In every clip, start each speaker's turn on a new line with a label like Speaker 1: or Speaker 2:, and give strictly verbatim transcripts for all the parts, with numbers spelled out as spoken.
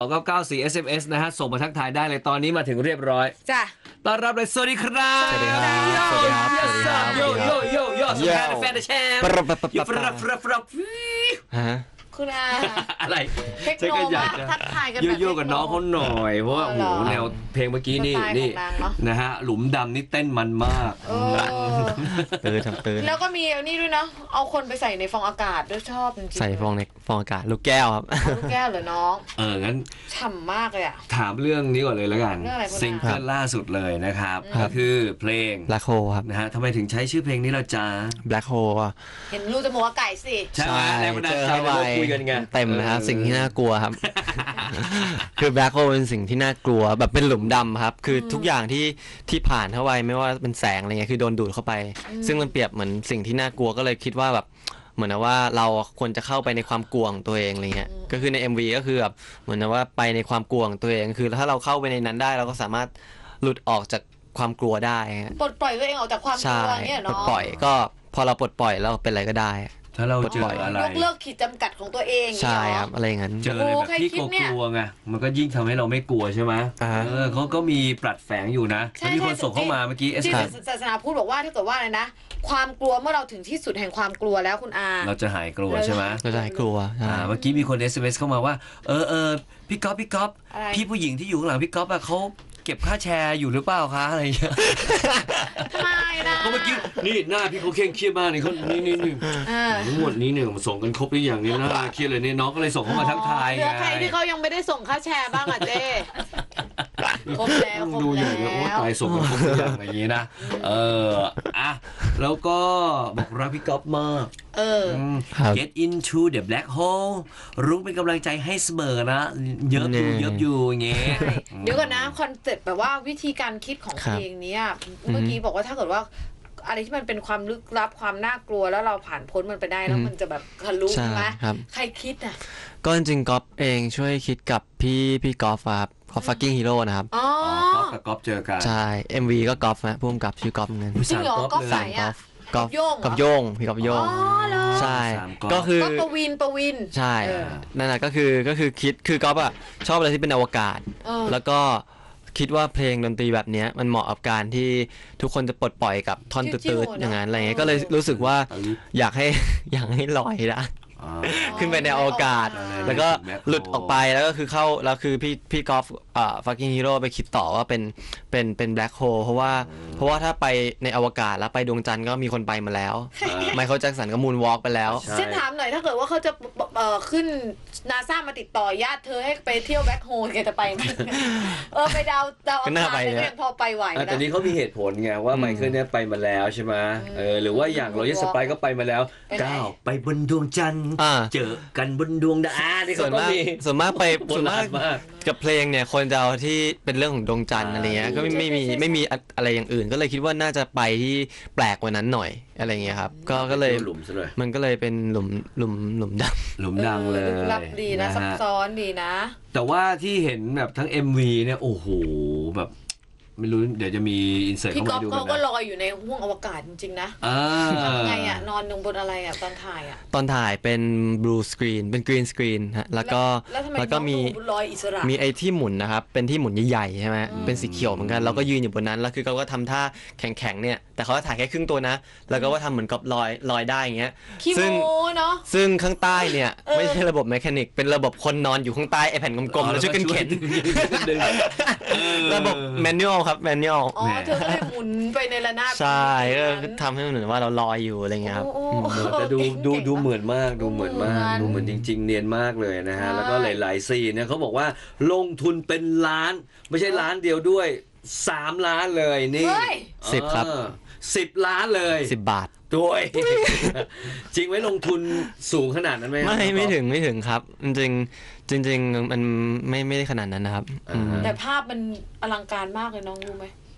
Speaker 1: เก้าเก้าสี่ เอส เอ็ม เอส นะฮะส่งมาทักทายได้เลยตอนนี้มาถึงเรียบร้อย
Speaker 2: จ้ะ
Speaker 1: ต้อนรับเลยสวัสดีครับ
Speaker 3: สวัสดีครับสวัสดีครับสวัสดีครับ
Speaker 1: โยโยโยโยสวัสดีแฟนแชมป์ยูฟรับรับรับ
Speaker 3: ฮะ
Speaker 2: คุณอา
Speaker 1: อะไร
Speaker 2: เทคโนมาทักทายกันแบบ
Speaker 1: โยๆกับน้องเขาหน่อยเพราะว่าโอ้โหแนวเพลงเมื่อกี้นี่นี่นะฮะหลุมดำนี่เต้นมันมาก
Speaker 3: เตือนทำเตือน
Speaker 2: แล้วก็มีนี่ด้วยนะเอาคนไปใส่ในฟองอากาศด้วยชอบจริงๆ
Speaker 3: ใส่ฟองในฟองอากาศลูกแก้วครับ
Speaker 2: ลูกแก้วเหรอน้อง
Speaker 1: เอองั้น
Speaker 2: ฉ่ำมากเลยอะ
Speaker 1: ถามเรื่องนี้ก่อนเลยแล้วกันซิงเกิลล่าสุดเลยนะครับก็คือเพลง
Speaker 3: Black Hole ครับ
Speaker 1: นะฮะทำไมถึงใช้ชื่อเพลงนี้ล่ะจ๊ะ
Speaker 3: Black Hole อ่ะ
Speaker 2: เห็นรูจมูกไก่สิ
Speaker 1: ใช่แรงบันดาลใจเราคุยกันไง
Speaker 3: เต็มนะครับสิ่งที่น่ากลัวครับคือ Black Hole เป็นสิ่งที่น่ากลัวแบบเป็นหลุมดำครับคือทุกอย่างที่ที่ผ่านเข้าไปไม่ว่าเป็นแสงอะไรเงี้ยคือโดนดูดเข้าไปซึ่งมันเปรียบเหมือนสิ่งที่น่ากลัวก็เลยคิดว่าแบบเหมือนว่าเราควรจะเข้าไปในความกลัวของตัวเองอะไรเงี้ยก็คือใน เอ็ม วี ก็คือแบบเหมือนว่าไปในความกลัวของตัวเองคือถ้าเราเข้าไปในนั้นได้เราก็สามารถหลุดออกจากความกลัวได้
Speaker 2: ปลดปล่อยตัวเองออกจากความกลัวเนี่ยเนาะ
Speaker 3: ปลดปล่อยก็พอเราปลดปล่อยแล้วเป็นอะไรก็ได้
Speaker 1: ถ้าเราเจออะไร
Speaker 2: ยกเลิกขีดจำกัดของตัวเอง
Speaker 3: ใช่ครับอะไรอย่างนั้น
Speaker 1: เจออะไรแบบที่กลัวไงมันก็ยิ่งทำให้เราไม่กลัวใช่ไหมเออเขาก็มีปลัดแฝงอยู่นะมีคนส่งเข้ามาเมื่อกี้
Speaker 2: ที่ศาสนาพูดบอกว่าถ้าเกิดว่าอะไรนะความกลัวเมื่อเราถึงที่สุดแห่งความกลัวแล้วคุณอา
Speaker 1: เราจะหายกลัวใช่ไหม
Speaker 3: เราจะหายกลัว
Speaker 1: อ่าเมื่อกี้มีคน เอส เอ็ม เอส เข้ามาว่าเออเออพี่ก๊อฟพี่ก๊อฟพี่ผู้หญิงที่อยู่ข้างหลังพี่ก๊อฟอะเขาเก็บค่าแชร์อยู่หรือเปล่าคะอะไรอย่างเงี้ย
Speaker 2: ไม่นะ
Speaker 1: เพราะเมื่อกี้นี่หน้าพี่เขาเคร่งเครียดมากนี่เขานี่นี่นี่ทั้งหมดนี้เนี่ยส่งกันครบหรือยังนี่หน้าเครียดเลยเนี่ยน้องก็เลยส่งเข้ามาทักทายไง
Speaker 2: เหลือใครที่เขายังไม่ได้ส่งค่าแชร์บ้างอ่ะเจ้ครบแล้วครบ
Speaker 1: ดูอย่างนี้ว่าตายส่งกันครบหรือยังอย่างนี้นะเอออ่ะแล้วก็บอกรักพี่ก๊อฟมาก
Speaker 2: เออ
Speaker 1: get into the black hole รุ้งเป็นกำลังใจให้เสมอนะเยอะอยู่เยอะอยู่อย่างเงี้ย
Speaker 2: เดี๋ยวก่อนนะคอนเซ็ปต์แบบว่าวิธีการคิดของเพลงนี้เมื่อกี้บอกว่าถ้าเกิดว่าอะไรที่มันเป็นความลึกลับความน่ากลัวแล้วเราผ่านพ้นมันไปได้แล้วมันจะแบบทะลุใช่ไหมใครคิดอ่ะ
Speaker 3: ก็จริงๆก๊อฟเองช่วยคิดกับพี่พี่กอล์ฟครับกอล์ฟฟักกิ้งฮีโร่นะครับ
Speaker 2: อ๋อ
Speaker 1: ก๊อฟกับก๊อฟเจอกัน
Speaker 3: ใช่ เอ็ม วี ก็กอล์ฟนะพุ่มกับชื่อกอล์ฟเงิน
Speaker 2: จริงเหรอกอล์ฟใส่อะ
Speaker 3: กอล์ฟกับโยงพี่กอล์ฟโยงใช่ก็คือ
Speaker 2: ก็ประวินประวิน
Speaker 3: ใช่นั่นแหละก็คือก็คือคิดคือกอล์ฟอะชอบอะไรที่เป็นอวกาศแล้วก็คิดว่าเพลงดนตรีแบบนี้มันเหมาะกับการที่ทุกคนจะปลดปล่อยกับท่อนตืดๆอย่างนั้นอะไรเงี้ยก็เลยรู้สึกว่าอยากให้อยากให้ลอยได้ขึ้นไปในอวกาศแล้วก็หลุดออกไปแล้วก็คือเข้าแล้วคือพี่พี่กอล์ฟอ่าฟักกิ้งฮีโร่ไปคิดต่อว่าเป็นเป็นเป็นแบล็คโฮลเพราะว่าเพราะว่าถ้าไปในอวกาศแล้วไปดวงจันทร์ก็มีคนไปมาแล้วไมเคิลแจ็คสันก็มูนวอล์กไปแล้ว
Speaker 2: ฉันถามหน่อยถ้าเกิดว่าเขาจะเอ่อขึ้นนาซามาติดต่อญาติเธอให้ไปเที่ยวแบล็คโฮลแกจะไปไหมเออไปดาวดาวอังคารก็ยังพอไปไหวนะ
Speaker 1: แต่นี้เขามีเหตุผลไงว่าไมเคิลเนี่ยไปมาแล้วใช่ไหมเออหรือว่าอย่างโรเยอร์สไปก็ไปมาแล้วก้าวไปบนดวงจันทร์เจอกันบนดวงดาวที่
Speaker 3: ส่วนมากส่วนมากไปส่วนมากกับเพลงเนี่ยคนจะเอาที่เป็นเรื่องของดวงจันทร์อะไรเงี้ยก็ไม่ไม่มีไม่มีอะไรอย่างอื่นก็เลยคิดว่าน่าจะไปที่แปลกกว่านั้นหน่อยอะไรเงี้ยครับก็ก็เลยมันก็เลยเป็นหลุมหลุมหลุมดำ
Speaker 1: หลุมดำเลย
Speaker 2: ลับดีนะซับซ้อนดีนะ
Speaker 1: แต่ว่าที่เห็นแบบทั้ง เอ็ม วี เนี่ยโอ้โหแบบไม่รู้เดี๋ยวจะมีอินเสิร์ตเข้ามาดูกันนะ
Speaker 2: พี่ก๊อฟก็ลอยอยู่ในห้วงอวกาศจริงๆนะทำไงอ่ะนอนลงบนอะไรอ่ะตอนถ่ายอ่ะ
Speaker 3: ตอนถ่ายเป็นบลูสกรีนเป็นกรีนสกรีนฮะแล้วก็
Speaker 2: แล้วก็มีลอยอิสระ
Speaker 3: มีไอ้ที่หมุนนะครับเป็นที่หมุนใหญ่ๆใช่ไหมเป็นสีเขียวเหมือนกันเราก็ยืนอยู่บนนั้นแล้วคือเขาก็ทำท่าแข็งๆเนี่ยแต่เขาถ่ายแค่ครึ่งตัวนะแล้วก็ว่าทำเหมือนกับลอยลอยได้อย่างเงี้ย
Speaker 2: ซึ่ง
Speaker 3: เนาะซึ่งข้างใต้เนี่ยไม่ใช่ระบบแมคานิกเป็นระบบคนนอนอยู่ข้างใต้ไอ้แผ่นกลมๆแล้วช่วยกันเข็นระบบแมนนวลครับแมนนวล
Speaker 2: อ๋อเธอก็เลยหมุนไปในระนาบ
Speaker 3: ใช่ก็ทำให้เหมือนว่าเราลอยอยู่อะไรเงี้ยครับ
Speaker 1: แต่ดูดูดูเหมือนมากดูเหมือนมากดูเหมือนจริงๆเนียนมากเลยนะฮะแล้วก็หลายๆซีนเนี่ยเขาบอกว่าลงทุนเป็นล้านไม่ใช่ล้านเดียวด้วยสามล้านเลยนี่
Speaker 3: สิบครับ
Speaker 1: สิบล้านเลย
Speaker 3: สิบบาท
Speaker 1: ด้วยจริงไหมลงทุนสูงขนาดนั้นไหม
Speaker 3: ไม่ไม่ถึงไม่ถึงครับจริงจริงๆมันไม่ไม่ได้ขนาดนั้นนะครับ
Speaker 2: แต่ภาพมันอลังการมากเลยน้องรู้ไหม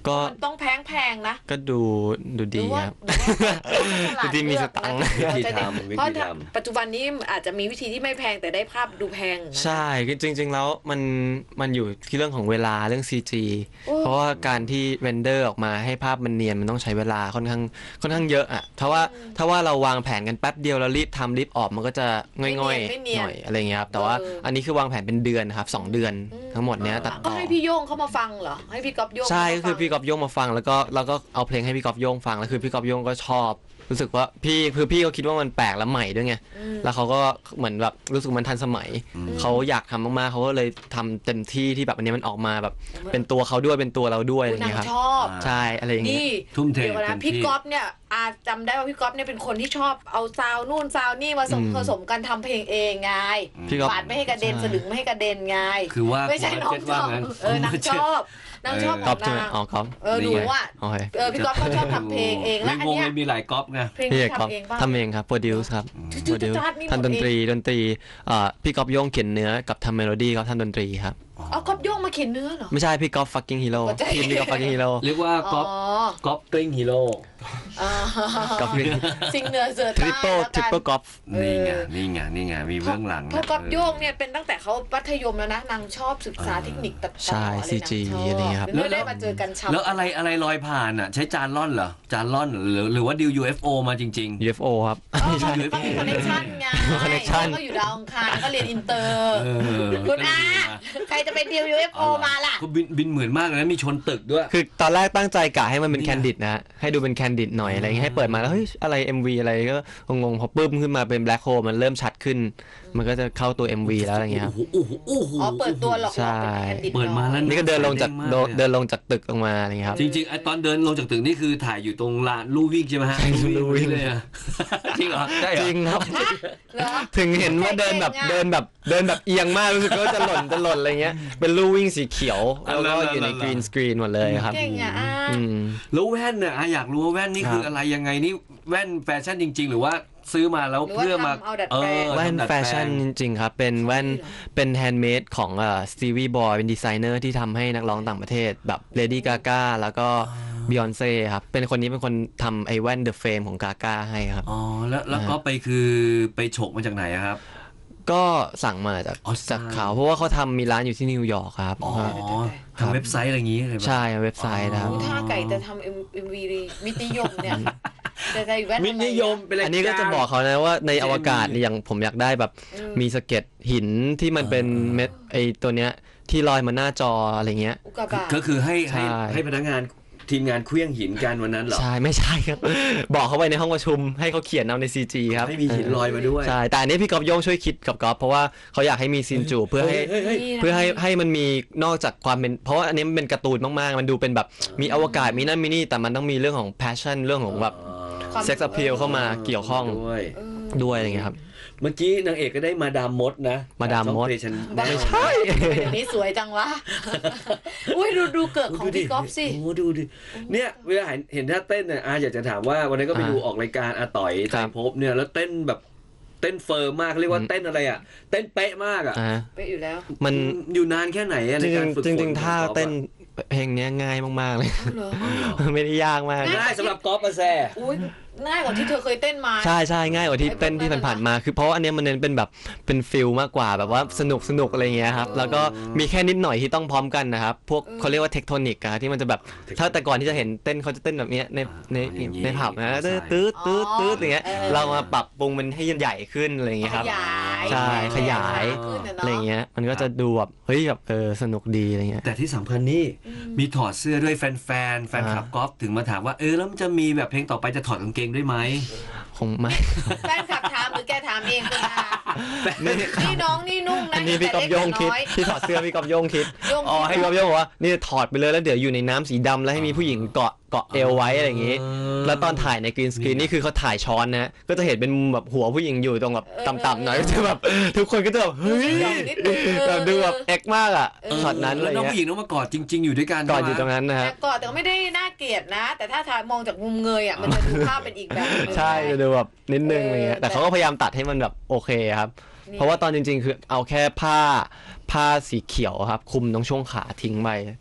Speaker 3: ก็
Speaker 2: มันต้องแพงแพงๆนะ
Speaker 3: ก็ดูดู
Speaker 2: หรื
Speaker 3: ดี
Speaker 2: อว่า
Speaker 3: ครับ
Speaker 2: หรือว่าฉลาด
Speaker 3: ที่มี
Speaker 2: เลื
Speaker 3: ส
Speaker 2: อก
Speaker 3: ตังค์
Speaker 2: นะ
Speaker 1: วิธี
Speaker 2: จะได้
Speaker 1: ทำวิ
Speaker 2: เพราะ
Speaker 1: ธีท
Speaker 2: ปัจจุบันนี้อาจจะมีวิธีที่ไม่แพงแต่ได้ภาพดูแพงนะ
Speaker 3: ใช่จริง ๆ แล้วมันมันอยู่ที่เรื่องของเวลาเรื่อง ซี จี
Speaker 2: โอ้
Speaker 3: เพราะว่าการที่เรนเดอร์ออกมาให้ภาพมันเนียนมันต้องใช้เวลาค่อนข้างค่อนข้างเยอะอ่ะถ้าว่าถ้าว่าเราวางแผนกันแป๊บเดียวแล้วรีบทำรีบออกมันก็จะง่อยๆหน่อยอะไรเงี้ยครับแต่ว่าอันนี้คือวางแผนเป็นเดือนครับสองเดือนทั้งหมดเนี้ยตัด
Speaker 2: ก็
Speaker 3: ต่อ
Speaker 2: ให้พี่โย่งเขามาฟังเหรอให้พี่ก๊อฟโย่ง
Speaker 3: ใช่
Speaker 2: เขา
Speaker 3: ก็
Speaker 2: มา
Speaker 3: คือ
Speaker 2: ฟัง
Speaker 3: พี่กอบโยงมาฟังแล้วก็แล้วก็เอาเพลงให้พี่กอบโยงฟังแล้วคือพี่กอบโยงก็ชอบ รู้สึกว่าพี่คือพี่เขาคิดว่ามันแปลกและใหม่ด้วยไงแล้วเขาก็เหมือนแบบรู้สึกมันทันสมัยเขาอยากทำมากๆเขาก็เลยทำเต็มที่ที่แบบอันนี้มันออกมาแบบเป็นตัวเขาด้วยเป็นตัวเราด้วยอะไร
Speaker 2: นาง
Speaker 3: เงี้ยครับ
Speaker 2: ชอบ
Speaker 3: ใช่อะไรอย่างเงี้ย
Speaker 2: นี่
Speaker 1: ทุ่มเท
Speaker 2: เดี๋ยวก่อน
Speaker 1: เต็
Speaker 2: นะ
Speaker 1: มที่
Speaker 2: พี่ก๊อฟเนี่ยอาจำได้ว่าพี่ก๊อฟเนี่ยเป็นคนที่ชอบเอาซาวนู่นซาวนี่มาสม
Speaker 3: อืม
Speaker 2: ผสมกันทำเพลงเองไง
Speaker 3: พี่ก๊อฟ
Speaker 2: ปาดไม่ให้กระเด็น
Speaker 3: ใช่
Speaker 2: สลึงไม่ให้กระเด็นไง
Speaker 1: คือว่า
Speaker 2: ไม่ใช่น้อง
Speaker 1: เจ็ด
Speaker 2: ช
Speaker 1: ว่า
Speaker 2: อบ
Speaker 1: งั้น
Speaker 2: เออนางชอบนางชอบข
Speaker 3: ก๊อ
Speaker 2: อ
Speaker 3: ฟ
Speaker 2: ง
Speaker 3: ใช่ไหม
Speaker 2: นาง
Speaker 3: อ๋อก๊อฟ
Speaker 2: เออหนูอ่ะ
Speaker 3: โอเค
Speaker 2: เออพี่ก๊อฟเขาชอบทำเพลงเองแล้วอัน
Speaker 1: ในวง
Speaker 2: เนี้ย
Speaker 1: เลยมีหลายก๊อปไง
Speaker 2: เพลง
Speaker 3: พี่
Speaker 2: ที่
Speaker 3: ก๊อฟ
Speaker 2: ทำเองป่ะ
Speaker 3: ทำเองครับโปรดิวส์ครับ
Speaker 2: จุ
Speaker 3: โปร
Speaker 2: ด
Speaker 3: ดิว
Speaker 2: ๆ
Speaker 3: ส์
Speaker 2: จัดๆนี่หมด
Speaker 3: ทำดนตรีดนตรีเอ่อพี่ก๊อฟโยงเขียนเนื้อกับทำเมโลดี้เขาทำดนตรีครับ
Speaker 2: เอาก๊อฟโย่งมาเขียนเนื้อเหรอ
Speaker 3: ไม่ใช่พี่ก๊อฟ fucking hero
Speaker 2: หัวใจ
Speaker 3: ทีมพี่ก๊อฟ fucking hero
Speaker 1: เรียกว่า
Speaker 2: อ๋
Speaker 1: ก๊
Speaker 2: อ
Speaker 1: อปก๊อปกลิ้งฮีโร่
Speaker 2: อ่า
Speaker 3: ก๊อฟ
Speaker 2: ซิงเหนือเสือ
Speaker 3: ทริป
Speaker 2: ใต้
Speaker 3: เปิล
Speaker 2: แล้ว
Speaker 3: ทริป
Speaker 2: กัน
Speaker 3: เปิลก๊อฟ
Speaker 1: นี่ไง
Speaker 2: เออ
Speaker 1: นี่ไงนี่ไงมีเบื้องหลัง
Speaker 2: เพราะก๊อฟโย่งเนี่ยเป็นตั้งแต่เขามัธยมแล้วนะนางชอบศึกษาเทคนิคตัดต่อ
Speaker 3: ใช่
Speaker 2: อะไร
Speaker 3: ซี
Speaker 2: นาง
Speaker 3: จี
Speaker 2: ชอบ
Speaker 3: อะไรเงี้ยครับ
Speaker 2: แล้วได้มาเจอกันช้ำ
Speaker 1: แล้วอะไรอะไรลอยผ่านอ่ะใช้จานล่อนเหรอจานล่อนหรือหรือว่าดิว ยู เอฟ โอ มาจริง
Speaker 3: ยู เอฟ โอ ครับ
Speaker 2: อ๋อ
Speaker 3: ไม่ใช่
Speaker 2: เขาก็มีคอนเนคชั่นไง
Speaker 3: connection
Speaker 2: เขาก็อยู่ดาวอังคารก็เรียนอินเตอร์
Speaker 1: ๆ เออ
Speaker 2: คุณอาใครจะไปดิว ยู เอฟ โอ มาล่ะ
Speaker 1: เขาบินบินเหมือนมากเลยนะมีชนตึกด้วย
Speaker 3: คือตอนแรกตั้งใจกะให้มันเป็น
Speaker 1: เนี่ย
Speaker 3: แคนดิดนะฮะให้ดูเป็นแคนดิดหน่อยอะไรเงี้ยให้เปิดมาแล้วเฮ้ยอะไร เอ็ม วี อะไรก็งงๆพอปึ้มขึ้นมาเป็นแบล็คโฮลมันเริ่มชัดขึ้น มันก็จะเข้าตัว เอ็ม วี แล้วอะไรเงี้ยครับ
Speaker 1: โอ้โหโอ้โห
Speaker 2: อ๋อเปิดตัวหลอก
Speaker 3: ใช่
Speaker 2: ๆเป็นแคนดิด
Speaker 1: เปิดมาแล้ว
Speaker 3: นี่ก็เดินลงจาก
Speaker 1: มากเลยอะ
Speaker 3: เดินลงจากตึกลงมาอะไรเงี้ยครับ
Speaker 1: จริงๆไอตอนเดินลงจากตึกนี่คือถ่ายอยู่ตรงลานลู่วิ่งใช่ไหมฮะ
Speaker 3: ใช่ลู่วิ่ง
Speaker 1: เลยอะจริงเหรอใช่เหร
Speaker 3: จ
Speaker 1: อ
Speaker 3: ริงครับ
Speaker 2: ฮะเหรอ
Speaker 3: ถึงเห็นว่าเดินแบบ
Speaker 2: เก่งอะ
Speaker 3: เดินแบบเดินแบบเอียงมากรู้สึกว่าจะหล่นจะหล่นอะไรเงี้ยเป็นลู่วิ่งสีเขียวแล้วก็อยู่ในกรีนสกรีนหมดเลยครับ
Speaker 2: เก่งอ่ะอา
Speaker 3: อืม
Speaker 1: แล้วแว่นเนี่ยอ่ะอยากรู้ว่าแว่นนี่คือ
Speaker 3: ครับ
Speaker 1: อะไรยังไงนี่แว่นแฟชั่นจริง ๆ หรือว่าซื้อมาแล้ว
Speaker 2: หรือว่า
Speaker 1: เพื่อมา
Speaker 2: ทำเอาดัดแปลง
Speaker 1: ออ
Speaker 3: แว่น
Speaker 1: ทำดัด
Speaker 3: แฟ
Speaker 1: ปลง
Speaker 3: ชั่นจริงๆครับ เป็นแว่น
Speaker 2: เหรอ
Speaker 3: เป็นแฮนด์เมดของเอ่อสตีวีบอยเป็นดีไซเนอร์ที่ทำให้นักร้องต่างประเทศแบบเลดี้กากแล้วก็บิออนเซ่ครับ เป็นคนนี้เป็นคนทำไอ้แว่นเดอะเฟมของกากให้ครับ
Speaker 1: อ๋อแล้วแล้วก็ไปคือไปฉกมาจากไหนอะครับ
Speaker 3: ก็สั่งมาจาก
Speaker 1: อ๋อสั่
Speaker 3: จาง กเขาเพราะว่าเขาทำมีร้านอยู่ที่นิวยอร์กครับ
Speaker 1: อ๋อ
Speaker 3: ครับ
Speaker 1: ทำเว็บไซต์อะไรอย่างงี้เลยปะ
Speaker 3: ใช่เว็บไซต์นะครับ
Speaker 2: ถ้าไก่จะทำเอ็มวีมิตรนิยมเนี่ยจะใส่แว่น
Speaker 1: มิตรนิยมเป็นรายการ
Speaker 3: อันนี้ก็จะบอกเขานะว่าในอวกาศเนี่ยอย่างผมอยากได้แบบมีสะเก็ดหินที่มันเป็นเม็ดไอตัวเนี้ยที่ลอยมาหน้าจออะไรเงี้ย
Speaker 2: อุกกาบาต
Speaker 1: ก็คือให้ให้
Speaker 3: ใช่
Speaker 1: ให้พนักงานทีมงานเคลี้ยงหินกันวันนั้นเหรอ
Speaker 3: ใช่ไม่ใช่ครับ บอกเขาไปในห้องประชุมให้เขาเขียนเอาใน ซี จี ครับ
Speaker 1: ให้มีหินลอยมาด้วย
Speaker 3: ใช่แต่อันนี้พี่ก๊อฟโย่งช่วยคิดกับก๊อฟเพราะว่าเขาอยากให้มีซีนจูบเพื่อให้
Speaker 1: เฮ้ยเฮ้ย
Speaker 3: เพื่อให้ให้มันมีนอกจากความเป็นเพราะว่าอันนี้มันเป็นการ์ตูนมากๆ มันดูเป็นแบบมีอวกาศมีนั่นมีนี่แต่มันต้องมีเรื่องของ passion เรื่องของแบบ
Speaker 2: ความ
Speaker 3: sex appeal เข้ามาเกี่ยวข้อง
Speaker 1: ด้วย
Speaker 3: ด้วยอะไรเงี้ยครับ
Speaker 1: เมื่อกี้นางเอกก็ได้มาดามมดนะ
Speaker 3: มาดามมด
Speaker 1: ช่อง Play Channel
Speaker 2: ไม่ใช่ เดี๋ยวนี้สวยจังวะ อุ้ยดูดูเกิดของพี่ก๊อฟสิ
Speaker 1: โอ้ดูดิเนี่ยเวลาเห็นเห็นท่าเต้นเนี่ยอาอยากจะถามว่าวันนั้นก็ไป
Speaker 3: อ่า
Speaker 1: ดูออกรายการอาต่อย
Speaker 3: ค
Speaker 1: ไต
Speaker 3: รั
Speaker 1: ร
Speaker 3: บ
Speaker 1: ภพเนี่ยแล้วเต้นแบบเต้นเฟิร์มมากเรียกว่าเต้นอะไรอ่ะเต้นเป๊ะมากอ่ะ
Speaker 3: อ่า
Speaker 2: ไปอยู่แล้ว
Speaker 3: มัน
Speaker 1: อยู่นานแค่ไหนอะ
Speaker 3: จ
Speaker 1: ใน
Speaker 3: ริ
Speaker 1: การ
Speaker 3: ง
Speaker 1: ฝึก
Speaker 3: ๆจ
Speaker 1: ฝ
Speaker 3: ริงๆท่า
Speaker 1: ของก๊อฟอะ
Speaker 3: เต้นเพลงเนี้ยง่ายมากๆเลย
Speaker 2: เอาเหรอ
Speaker 3: ไม่ได้ยากมาก
Speaker 1: ง่ายสำหรับก๊อฟมาแซ่
Speaker 2: อุ้ยง่ายกว่าที่เธอเคยเต้นมา
Speaker 3: ใช่ใช่ง่ายกว่าที่
Speaker 2: ไอ้พวก
Speaker 3: เต้นที่
Speaker 2: นั้นน่ะ
Speaker 3: ผ่านๆมาคือเพราะว่าอันเนี้ยมันเน้นเป็นแบบเป็นฟิลมากกว่าแบบว่าสนุกสนุกอะไรเงี้ยครับแล้วก็มีแค่นิดหน่อยที่ต้องพร้อมกันนะครับพวกเขาเรียกว่าเทคโทนิกอะที่มันจะแบบถ้าแต่ก่อนที่จะเห็นเต้นเขาจะเต้นแบบเนี้ยในในในผับนะตื้อตื้อตื้อตื้ออย่างเงี้ยเรามาปรับปรุงมันให้ใหญ่ขึ้นอะไรเงี้ยครับ
Speaker 2: ขยาย
Speaker 3: ใช่ขยาย
Speaker 2: ขึ้นน่
Speaker 3: อะไรเงี้ยมันก็จะดูแบบเฮ้ยแบบเออสนุกดีอะไรเงี้ย
Speaker 1: แต่ที่สำคัญนี่มีถอดเสื้อด้วยแฟนแฟนแฟนคลับ
Speaker 3: อ่า
Speaker 1: ก๊อฟถึงมาถามว่าเออแล้วมันจะมีแบบเพลงต่อไปจะถอดกางเกงด้วยไหม
Speaker 3: คงไม่
Speaker 2: แฟนคลับถามหรือแกถามเองคุณอา
Speaker 3: นี่
Speaker 2: นี่น้องนี่นุ่งนะ
Speaker 3: อันนี้พี่กอบโยงคิดที่ถอดเสื้อพี่กอบโยงคิด
Speaker 2: โยง
Speaker 3: อ๋อให้พี่กอบโยงบอกว่านี่ถอดไปเลยแล้วเดี๋ยวอยู่ในน้ำสีดำแล้วให้มีผู้หญิงเกาะเกาะเอวไว้อะไรอย่างงี้ แล้วตอนถ่ายในกรีนสกรีนนี่คือเขาถ่ายช้อนนะก็จะเห็นเป็นมุมแบบหัวผู้หญิงอยู่ตรงแบบต่ำๆหน่อยก็จะแบบทุกคนก็จะแบบเฮ้ยแบบดูแบบเอ็กมากอ่ะช็อตนั้นอะไร
Speaker 1: แล้วน้อง
Speaker 3: เงี้ย
Speaker 1: ผู้หญิงต้องมากอดจริง ๆ อยู่ด้วยกัน
Speaker 3: ก่อนอยู่ตรงนั้นนะค
Speaker 2: แต่
Speaker 3: รับ
Speaker 2: ก่อนแต่ก็ไม่ได้น่าเกลียดนะ แต่ถ้าถ่ายมองจากมุมเงยอ่ะมันจะดูภาพเป็นอีกแบบหนึ่ง
Speaker 3: ใช่จะดูแบบนิดนึงอะไรเงี้ย
Speaker 2: เออ
Speaker 3: แต่เขาก็พยายามตัดให้มันแบบโอเคครับ
Speaker 2: นี่
Speaker 3: เพราะว่าตอนจริงๆ คือเอาแค่ผ้าผ้าสีเขียวครับคลุมตรงช่วงขาทิ้งไป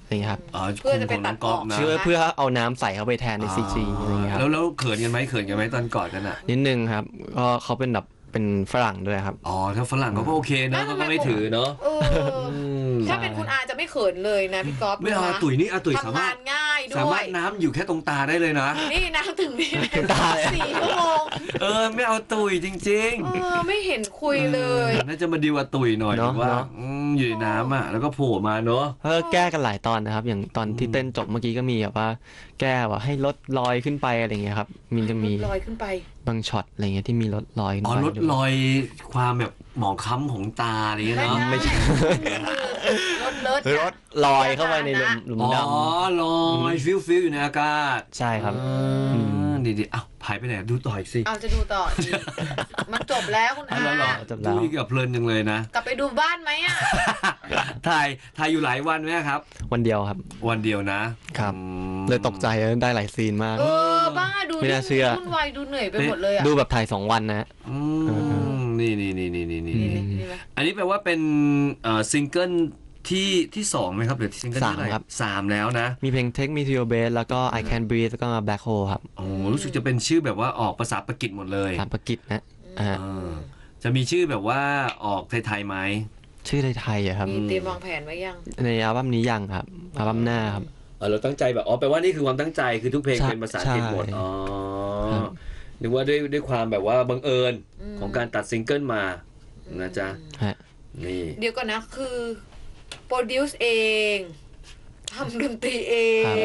Speaker 3: อะไรเงี้ยครับ
Speaker 1: อ๋อ
Speaker 2: เพื่อจะไปตัดออก
Speaker 1: นะ
Speaker 3: เพื่อเพื่อเอาน้ำใส่เข้าไปแทนในซีจีอะไรเงี้ยครับ
Speaker 1: แล้วแล้วเขินกันไหมเขินกันไหมตอนกอดกันอ่ะ
Speaker 3: นิดนึงครับก็เขาเป็นแบบเป็นฝรั่งด้วยครับ
Speaker 1: อ๋อถ้าฝรั่งเขาก็โอเคนะเขาก็ไม่ถือเนาะ
Speaker 2: เออถ้าเป็นคุณอาจะไม่เขินเลยนะพี่ก๊อฟ
Speaker 1: ไม่เอาอาตุ๋ยนี่อาตุ๋ยสา
Speaker 2: ทำ
Speaker 1: มารถ
Speaker 2: งานง่ายด้
Speaker 1: สา
Speaker 2: ว
Speaker 1: มาร
Speaker 2: ย
Speaker 1: ถน้ำอยู่แค่ตรงตาได้เลยนะ
Speaker 2: นี่น้ำถึงนี่
Speaker 3: ถึงตาเลย
Speaker 2: สี่ชั่วโมง
Speaker 1: เออไม่เอาตุ๋ยจริง
Speaker 2: เออไม่เห็นคุยเลย
Speaker 1: น่าจะมาดีว่าตุ๋ยหน่อย
Speaker 3: เนอะ
Speaker 1: ว่า
Speaker 3: เนอะ
Speaker 1: อืมอยู่ในน้ำอ่ะแล้วก็โผล่มาเนาะ
Speaker 3: เออแก้กันหลายตอนนะครับ อย่างตอนที่เต้นจบเมื่อกี้ก็มีแบบว่า แก้ว่าให้ลดรอยขึ้นไปอะไรเงี้ยครับมีจะมี
Speaker 2: ลอยขึ้นไป
Speaker 3: บางช็อตอะไรเงี้ยที่มีลดรอยขึ้น
Speaker 1: อ๋อ
Speaker 3: ไป
Speaker 1: ลดรอยความแบบหมองคล้ำของตาอะไรอย่างเงี้ยเนาะ
Speaker 3: ไม่ใช่
Speaker 2: รถเลิศ
Speaker 3: ลดรอยเข้าไปในหลุมหลุม
Speaker 1: อ๋อ
Speaker 3: ดำ
Speaker 1: ลอยฟิวฟิวอยู่ในอากาศ
Speaker 3: ใช่ครับ
Speaker 1: อืมดีๆอ้าวหายไปไหนดูต่ออีกสิ
Speaker 2: เอาจะดูต่ออีกมันจบแล้วคุณอา
Speaker 1: เอาแล้วเหรอ
Speaker 3: จบแล้ว
Speaker 1: ดูอีกกับเพลินจังเลยนะ
Speaker 2: กลับไปดูบ้านไหมอ่ะ
Speaker 1: ถ่ายถ่ายอยู่หลายวันไหมครับ
Speaker 3: วันเดียวครับ
Speaker 1: วันเดียวนะครับ อืม
Speaker 3: เลยตกใจได้หลายซีนมาก
Speaker 2: เออบ้าดู
Speaker 3: ไม่น่าเชื่อ
Speaker 2: วุ่นวายดูเหนื่อยไปหมดเลยอ่ะ
Speaker 3: ดูแบบถ่ายสองวันนะ
Speaker 1: อืมนี่นี่นี่นี่นี่
Speaker 2: นี่
Speaker 1: นี่
Speaker 2: นี่นี่ไหม
Speaker 1: อันนี้แปลว่าเป็นเอ่อซิงเกิลที่ที่สองไหมครับหรือซิงเกิลที่เท่าไหร่
Speaker 3: สามครับ
Speaker 1: สามแล้วนะ
Speaker 3: มีเพลง Take Me to Your Bed แล้วก็ I Can Breathe แล้วก็มา Black Hole ครับ
Speaker 1: โอ้รู้สึกจะเป็นชื่อแบบว่าออกภาษาปากีสหมดเลย
Speaker 3: ตามประกิจนะอ่า
Speaker 1: เออจะมีชื่อแบบว่าออกไทยๆไหม
Speaker 3: ชื่อไทยๆอะครับ
Speaker 2: มีเตรียมวางแผนไว้ยัง
Speaker 3: ในอัลบั้มนี้ยังครับอัลบั้มหน้าครับ
Speaker 1: เออเราตั้งใจแบบอ๋อแปลว่านี่คือความตั้งใจคือทุกเพลง
Speaker 3: ใช่
Speaker 1: เป็นภาษาอังกฤษหมด
Speaker 3: ใช่
Speaker 1: อ๋อ
Speaker 3: ครับ
Speaker 1: นึกว่าด้วยด้วยความแบบว่าบังเอิญ
Speaker 2: อืม
Speaker 1: ของการตัดซิงเกิลมานะจ๊ะ
Speaker 3: ฮะ
Speaker 1: นี่
Speaker 2: เดี๋ยวก่อนนะคือโปรดิวซ์เองทำดนตรีเอง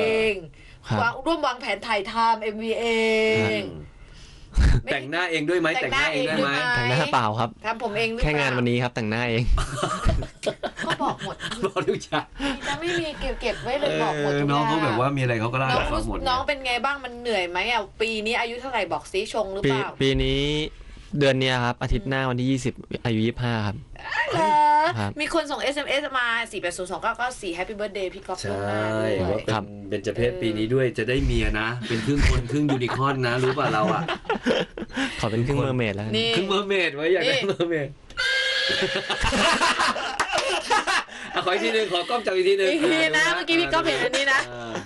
Speaker 3: ครับ
Speaker 2: วางร่วมวางแผนถ่ายทำเอ็มวีเอง
Speaker 1: แต่งหน้าเองด้วยไหมแต่งหน้าเองได้ไหม
Speaker 3: แต่งหน้าเปล่าครับ
Speaker 2: ทำผมเองหรือเป
Speaker 3: แค่
Speaker 2: ล่
Speaker 3: งานวันนี้ครับแต่งหน้าเอง
Speaker 2: ก็บอกหมด
Speaker 1: บอกทุกอย่าง
Speaker 2: จะไม่มีเก็บเก็บไว้เลย
Speaker 1: เอ
Speaker 2: บอกหมด
Speaker 1: อ
Speaker 2: ทุก
Speaker 1: น้องเขา
Speaker 2: ย่
Speaker 1: แบบว่ามีอะไรเขาก็เล่า
Speaker 2: น้อง
Speaker 1: ให้ฟั
Speaker 2: รู้
Speaker 1: งหมด
Speaker 2: น้องเป็นไงบ้างมันเหนื่อยไหมอ่ะปีนี้อายุเท่าไหร่บอกซิชงหรือ
Speaker 3: ปี
Speaker 2: เปล่า
Speaker 3: ปีนี้เดือนเนี้ยครับ อาทิตย์หน้าวันที่ยี่สิบอายุยี่สิบห้าครับ
Speaker 2: เหรอ
Speaker 3: ครับ
Speaker 2: มีคนส่ง เอส เอ็ม เอส มา สี่ แปด ศูนย์ สอง เก้า เก้า สี่ Happy Birthday พี่ก๊อฟ
Speaker 1: ใช่
Speaker 2: ล่วงหน้าด้วย
Speaker 1: ว่าเป็
Speaker 3: ครั
Speaker 1: น
Speaker 3: บ
Speaker 1: เป็นเจเพศปีนี้ด้วยจะได้เมียนะ เป็นครึ่งคนครึ่งยูนิคอร์นนะรู้ป่ะเราอ่ะ
Speaker 3: ขอเป็นครึ่งเมอร์เมดแล้วกัน
Speaker 2: นี่
Speaker 1: ครึ่งเมอร์เมดไว้อยากได้
Speaker 2: นี่
Speaker 1: เมอร์เมดอ่ะขออีกทีหนึงขอกล้องจับอีกทีหนึง
Speaker 2: อีกทีนะเมื่อกี้พี่ก๊อฟเห็นอันนี้นะ
Speaker 1: อ่า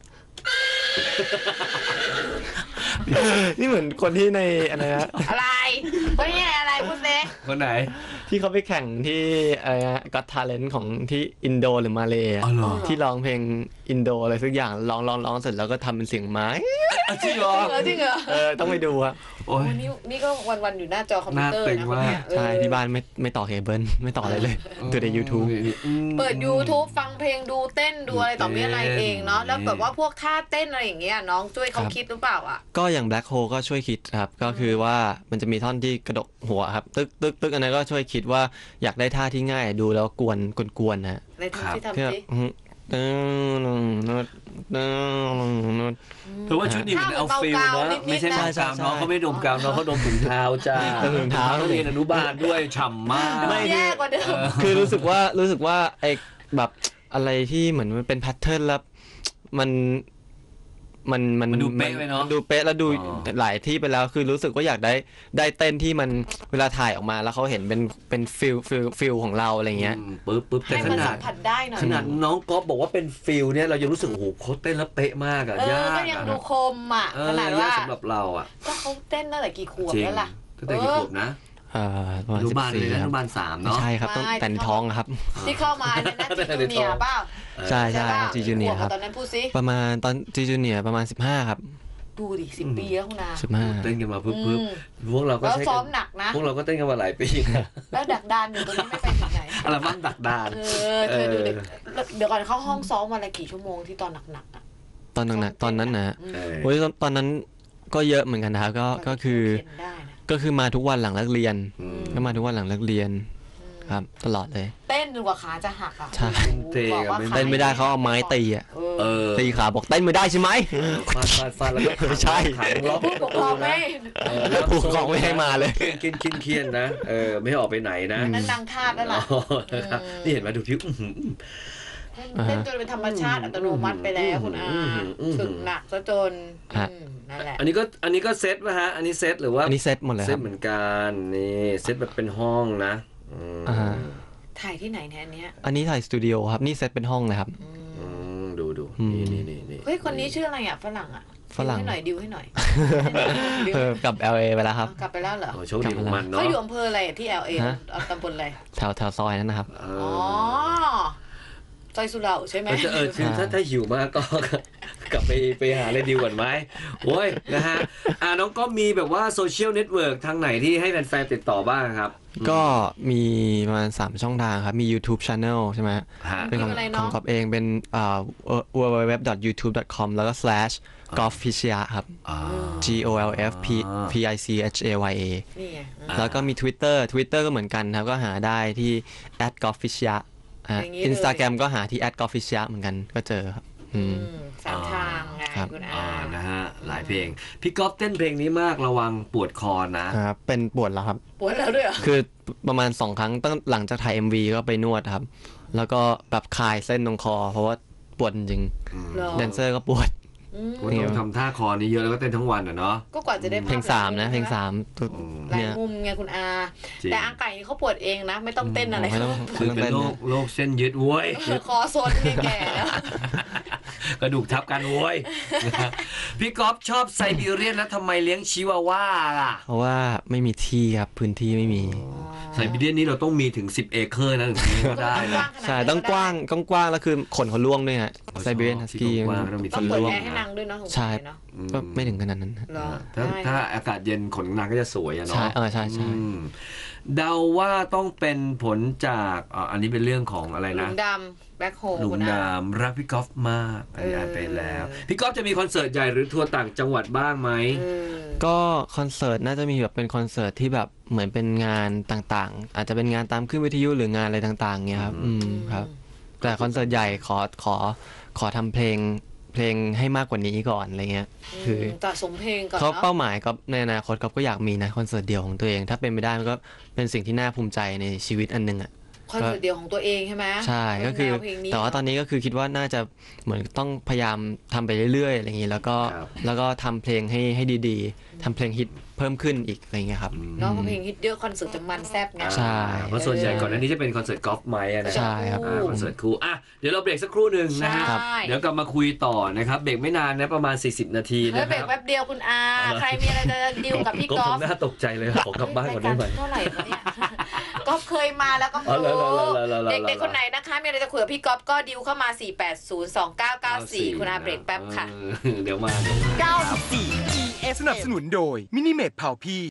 Speaker 3: นี่เหมือนคนที่ในอะไรนะ
Speaker 2: อะไรคนนี้อะไรพูดเซ
Speaker 1: คนไหน
Speaker 3: ที่เขาไปแข่งที่อะไรนะก็ทาเลนต์ของที่อินโดหรือมาเลย์อะ
Speaker 1: อ๋อเหรอ
Speaker 3: ที่ร้องเพลงอินโดอะไรสักอย่างร้องร้องร้องเสร็จแล้วก็ทำเป็นเสียงไม้
Speaker 1: อ่ะจริงเหรอ
Speaker 2: จริงเหรอ
Speaker 3: เออต้องไปดูอะ
Speaker 1: โอ้ย
Speaker 2: วันนี้นี่ก็วันๆอยู่หน้าจอคอมพิวเตอร์
Speaker 1: หน้าตึง
Speaker 2: นะคนเนี้ย
Speaker 1: มาก
Speaker 2: เออ
Speaker 3: ใช่ที่บ้านไม่ไม่ต่อเคเบิลไม่ต่ออะไรเลยดูใน YouTube
Speaker 1: อืม
Speaker 2: เปิด YouTube ฟังเพลงดูเต้นดูอะไรต่อมีอะไรเองเนาะแล้วแบบว่าพวกท่าเต้นอะไรอย่างเงี้ยน้องช่วยเขา
Speaker 3: ครับ
Speaker 2: คิดหรือเปล่าอ่ะ
Speaker 3: ก็อย่าง Black Hole ก็ช่วยคิดครับ ก็คือว่ามันจะมีท่อนที่กระดกหัวครับ ตึกตึกตึกอันนั้นก็ช่วยคิดว่าอยากได้ท่าที่ง่ายดูแล้วกวนกวนๆนะฮะ
Speaker 2: ในทำที่
Speaker 3: เพื่อ
Speaker 2: ทำสิ
Speaker 3: อื้อตึ้งนึดตึ้งนึด
Speaker 1: เพราะว่าชุดนี้มันเอาฟิลนะไม่ใช่
Speaker 3: ใช่
Speaker 1: ดม
Speaker 3: ใช่
Speaker 1: กาวน้องเขาไม่ดมกาวน้องเขาดมถุงเท้าจ้า
Speaker 3: ดมถุงเท้า
Speaker 1: เขาเรียนอนุบาลด้วยฉ่ำมาก
Speaker 3: ไม่
Speaker 2: แย่กว่าเดิม
Speaker 3: คือรู้สึกว่ารู้สึกว่าไอ้แบบอะไรที่เหมือนมันเป็นแพทเทิร์นแล้วมันมันมัน
Speaker 1: มันดูเป๊ะไปเนอะ
Speaker 3: ดูเป๊ะแล้วดู
Speaker 1: อ๋อ
Speaker 3: หลายที่ไปแล้วคือรู้สึกว่าอยากได้ได้เต้นที่มันเวลาถ่ายออกมาแล้วเขาเห็นเป็นเป็นฟิลฟิลฟิลของเราอะไรเงี้ย
Speaker 1: อืมปึ๊บปึ๊บแต่
Speaker 2: ให้
Speaker 1: ข
Speaker 2: มัน
Speaker 1: นา
Speaker 2: สั
Speaker 1: ด
Speaker 2: มผัสได้หน่อย
Speaker 1: ขนาดน้องก๊อฟบอกว่าเป็นฟิลเนี่ยเรายังรู้สึกโอ้โหเขาเต้นแล้วเป๊ะมากอะ
Speaker 2: เออย
Speaker 1: าก
Speaker 2: ก็ยัง
Speaker 1: อะ
Speaker 2: ดูคมอ่ะ
Speaker 1: เอ
Speaker 2: ข
Speaker 1: อ
Speaker 2: นาด
Speaker 1: ยา
Speaker 2: ว่าก
Speaker 1: สำหรับเราอะ
Speaker 2: ก็เขาเต้นตั้งแต่กี่ขวบ
Speaker 1: จริง
Speaker 2: แล้วล่ะ
Speaker 1: ตั้งแต่กี่ขวบนะ
Speaker 3: เอ่อประมาณ
Speaker 1: อนุ
Speaker 3: สิบบ
Speaker 1: าลเล
Speaker 3: สี่
Speaker 1: ยนะอ
Speaker 3: ครั
Speaker 1: นุ
Speaker 3: บ
Speaker 1: บาลสาม
Speaker 3: ไม่
Speaker 1: เนาะ
Speaker 3: ใช่ครับต้อง
Speaker 2: ไม่
Speaker 3: แต่ในท้องครับ
Speaker 2: ที่เข้ามาเนี่ยนะจีจูเนียร์เปล่า
Speaker 3: ใช่ใช่จีจูเนียร์ครับ
Speaker 2: ตอนนั้นพูดซิ
Speaker 3: ประมาณตอนจีจูเนียร์ประมาณสิบห้าครับ
Speaker 2: ดูดิสิบปีแล้วคุณอา
Speaker 3: สิบห้า
Speaker 1: เต้นกันมาปึ๊บ
Speaker 2: อื
Speaker 1: ปึ๊บ
Speaker 2: ม
Speaker 1: พวกเราก็
Speaker 2: แล้ว
Speaker 1: ใช้
Speaker 2: ซ้อ
Speaker 1: กั
Speaker 2: ม
Speaker 1: น
Speaker 2: หนักนะ
Speaker 1: พวกเราก็เต้นกันมาหลายปีนะ
Speaker 2: แล้วดักดานอยู่ตรงนี้ไม่ไปถึงไหน
Speaker 1: อัลบั้มดักดาน
Speaker 2: เออเธอดูเด็กเดี๋ยวก่อนเข้าห้องซ้อมวันละกี่ชั่วโมงที่ตอนหนักๆอ่ะ
Speaker 3: ตอนนั้นนะตอนนั้นนะ
Speaker 2: อืม
Speaker 1: เออ
Speaker 3: โอ้ยตอนตอนนั้นก็เยอะเหมือนกันนะครับก็ก็คือ
Speaker 2: เขียนได้นะ
Speaker 3: ก็คือมาทุกวันหลังเลิกเรียน
Speaker 1: อืม
Speaker 3: ก็มาทุกวันหลังเลิกเรียน
Speaker 2: อืม
Speaker 3: ครับ ตลอดเลย
Speaker 2: เต้นจนกว่าขาจะหักอ่ะ
Speaker 3: ใช่
Speaker 1: เต้น
Speaker 2: บอกว่า
Speaker 1: ไม่
Speaker 2: ขา
Speaker 3: เต้นไม่ได้เขาเอาไม้ตีอ่ะ
Speaker 2: เอ
Speaker 1: เอ
Speaker 2: อ
Speaker 1: อ
Speaker 3: ตีขาบอกเต้นไม่ได้ใช่ไหม
Speaker 1: ฟาดฟาดฟาดแล้วก็ขัง
Speaker 3: ไม่ใช่
Speaker 1: ขังล็อก
Speaker 2: ผู้ปกครองไม่
Speaker 1: เออแล้ว
Speaker 3: ผู้ปกครองไม่ให้มาเลย
Speaker 1: เคียนเคียนเคียนนะเออไม่ให้ออกไปไหนนะ
Speaker 2: นั่นนางทาสแล้วล่ะ
Speaker 1: อ๋อนะครับนี่เห็นไหมดูพิวอื้อหือ
Speaker 2: เต้นจนเป็นธรรมชาติอัตโนมัติไปแล้วคุณอา
Speaker 1: อืมอืม
Speaker 2: ฝึกหนักซะจน
Speaker 3: ฮะ
Speaker 2: อืมนั่นแหละ
Speaker 1: อันนี้ก็อันนี้ก็เซตป่ะฮะ อันนี้เซตหรือว่า
Speaker 3: อันนี้เซตหมดเลย
Speaker 1: เซ
Speaker 3: ค
Speaker 1: ต
Speaker 3: รับ
Speaker 1: เหมือนกันนี่เซตแบบเป็นห้องนะอืม
Speaker 3: อ่าฮะ
Speaker 2: ถ่ายที่ไหนเนี่ยอันเนี้ย
Speaker 3: อันนี้ถ่ายสตูดิโอครับนี่เซตเป็นห้องเลยครับ
Speaker 2: อืม
Speaker 1: อืมนี่นี่นี่นี่
Speaker 2: เฮ้ยคนนี้ชื่ออะไรอ่ะฝรั่งอ่ะ
Speaker 3: ฝรั่ง
Speaker 2: ดิวให้หน่อยดิวให้หน่อย
Speaker 3: เออกลับ แอล เอ ไปแล้วครับ
Speaker 2: กลับไปแล้วเหรอ
Speaker 1: โอ้โชคดีของมันเนาะ
Speaker 2: เขาอยู่อำเภออะไรที่ แอล เอ
Speaker 3: ฮะ
Speaker 2: เอาตำบลอะไร
Speaker 3: แถวแถวซอยนั้นนะครับ
Speaker 1: เอ
Speaker 2: อ๋อ
Speaker 1: อ
Speaker 2: ซอยสุเหร่าใช่ไหม
Speaker 1: เออเออคือถ้าถ้าหิวมากก็ กลับไปไปหาอะไรดีกว่าไหมโอ้ยนะฮะอ่าน้องก็มีแบบว่าโซเชียลเน็ตเวิร์กทางไหนที่ให้แฟนๆติดต่อบ้างครับ
Speaker 3: ก็มีประมาณสามช่องทางครับ มี YouTube Channel ใช่ไหม
Speaker 1: ฮะ
Speaker 3: เป็นของ
Speaker 2: อะไร
Speaker 3: ข
Speaker 2: เนาะ
Speaker 3: องกอบเองเป็นอ่า ดับเบิลยู ดับเบิลยู ดับเบิลยู ดับเบิลยู ดอท ยูทูบ ดอท คอม แล้วก็ slash golfficia ครับ
Speaker 1: อ่า
Speaker 3: G O L F P P I C H A Y A
Speaker 2: นี่ไง
Speaker 1: อ่า
Speaker 3: แล้วก็มี Twitter Twitter ก็เหมือนกันครับ ก็หาได้ที่ at golfficia
Speaker 2: อย่างนี้เลย
Speaker 3: อินสตาแกรมก็หาที่ at golfficia เหมือนกันก็เจอครับอืม
Speaker 2: อืมสามทางไง
Speaker 3: ครับ
Speaker 2: คุณ
Speaker 1: อ่า
Speaker 2: อา
Speaker 1: นะฮะหลายเพลงพี่ก๊อฟเต้นเพลงนี้มากระวังปวดคอนะ
Speaker 3: ครับเป็นปวดแล้วครับ
Speaker 2: ปวดแล้วด้วยเหรอ
Speaker 3: คือประมาณสองครั้งตั้งหลังจากถ่าย เอ็ม วี ก็ไปนวดครับ แล้วก็แบบคลายเส้นตรงคอ เพราะว่าปวดจริง
Speaker 2: เหรอ
Speaker 3: แดนเซอร์ก็ปวด
Speaker 2: อืม
Speaker 1: โอ้ยต้องทำท่าคอนี้เยอะแล้วก็เต้นทั้งวันอ่ะเนาะ
Speaker 2: ก็กว่าจะได้ภาพ
Speaker 3: เพลงสามนะเพลงสาม
Speaker 1: อืม
Speaker 2: หลาย
Speaker 3: เนี่ย
Speaker 2: มุมไงคุณอา
Speaker 1: จริง
Speaker 2: แต่อาไก่นี่เขาปวดเองนะ ไม่ต้องเต้นอะไร
Speaker 3: ไม่ต้อง
Speaker 1: คือเป็นโรคโรคเส้นยึดโว้ย
Speaker 2: คอโซนเนี่ยแก่แล้ว
Speaker 1: กระดูกทับกันโว้ย นะฮะพี่ก๊อฟชอบไซบีเรียนแล้วทำไมเลี้ยงชิวาว่าล่ะ
Speaker 3: เพราะว่าไม่มีที่ครับพื้นที่ไม่มี
Speaker 1: ไซบีเรียนนี้เราต้องมีถึงสิบเอเคอร์นะถึงจะเลี้ยงได้นะ
Speaker 3: ใช่ต้องกว้างต้องกว้างแล้วคือขนเขาล่วงด้วยฮะไซบีเรียนฮัสกี้
Speaker 1: ที่กว้างๆต้องมี
Speaker 2: ต้อง
Speaker 1: ที่
Speaker 2: เปิด
Speaker 1: ร่วง
Speaker 2: แอร์ให้นางด้วยเนาะสง
Speaker 3: ใช่
Speaker 2: สัยเนาะ
Speaker 3: ก็ไม่ถึงขนาดนั้น
Speaker 2: เหรอ
Speaker 1: ถ้า
Speaker 2: ได้
Speaker 1: ถ้าอากาศเย็นขนนางก็จะสวยอะ
Speaker 3: ใช่
Speaker 1: เนาะ
Speaker 3: เออใช่ใช่
Speaker 1: อืมเดาว่าต้องเป็นผลจากอ่าอันนี้เป็นเรื่องของอะไร
Speaker 2: หลุ
Speaker 1: นะ
Speaker 2: มดำแบ็คโฮ
Speaker 1: หลุม
Speaker 2: คุณอา
Speaker 1: ดำรักพี่ก๊อฟมากอันนี้
Speaker 2: เอออ่
Speaker 1: อ่านไปแล้ว พี่ก๊อฟจะมีคอนเสิร์ตใหญ่หรือทัวร์ต่างจังหวัดบ้างไหม
Speaker 2: เออ
Speaker 3: ก็คอนเสิร์ตน่าจะมีแบบเป็นคอนเสิร์ตที่แบบเหมือนเป็นงานต่างๆ อาจจะเป็นงานตามขึ้นวิทยุหรืองานอะไรต่างๆเงี้ยครับ อืมครับ แต่คอนเสิร์ตใหญ่ขอขอขอทำเพลงเพลงให้มากกว่านี้ก่อนอะไรเงี้ย คือ
Speaker 2: ต่อสมเพลงก่อน
Speaker 3: เขา
Speaker 2: เนาะ
Speaker 3: เป้าหมายก็ในอนาคตก็อยากมีนะคอนเสิร์ตเดียวของตัวเอง ถ้าเป็นไม่ได้มันก็เป็นสิ่งที่น่าภูมิใจในชีวิตอันหนึงอ่ะ
Speaker 2: คอนเสิร์ตเดียวของตัวเองใช่ไหม
Speaker 3: ใช่ก็คือ
Speaker 2: แนวเพลงนี้
Speaker 3: แต่ว่าตอนนี้ก็คือคิดว่าน่าจะเหมือนต้องพยายามทำไปเรื่อยๆอะไรอย่างนี้แล้วก็
Speaker 1: ครับ
Speaker 3: แล้วก็ทำเพลงให้ให้ดีๆทำเพลงฮิตเพิ่มขึ้นอีกอะไรอย่างเงี้ยครับ
Speaker 2: เนาะเพราะเพลงฮิตเยอะคอนเสิร์ตจะมันแซ่บไง
Speaker 3: ใช่
Speaker 1: เพราะส่วนใหญ่ก่อนหน้านี้จะเป็นคอนเสิร์ตกอล์ฟไมค์อะนะ
Speaker 3: ใช่ครับ
Speaker 1: อ่าคอนเสิร์ตคู่อ่ะเดี๋ยวเราเบรกสักครู่หนึ่งนะฮะ
Speaker 2: ใช่
Speaker 1: เดี๋ยวกลับมาคุยต่อนะครับเบรกไม่นานนะประมาณสี่สิบนาที
Speaker 2: เฮ้
Speaker 1: นะ
Speaker 2: ย
Speaker 1: ค
Speaker 2: เบรก
Speaker 1: รับ
Speaker 2: แป๊บเดียวคุณอา ใครมีอะไรจะดิวกับพี่
Speaker 1: ก็
Speaker 2: ก๊อฟ
Speaker 1: ทำหน้าตกใจเลยขอกลับบ้านก่อนได้ไหม
Speaker 2: รายการเท่าไหร่วะเนี่ย ก๊อฟเคยมาแล้วก็
Speaker 1: อ๋อ
Speaker 2: รู้
Speaker 1: เหรอเหรอเหรอเหรอเหรอ
Speaker 2: เด็กๆคนไหนนะคะมีอะไรจะคุยกับพี่ก๊อฟก็ดิวเข้ามา สี่ แปด ศูนย์ สอง เก้า เก้า สี่ คุณอาเบรกแป๊บค่ะ
Speaker 1: เออเดี๋ยวมาเดี๋ยวมา
Speaker 4: เก้าสิบสี่ อี เอฟ สนับสนุนโดยมินิเมดเผาพี่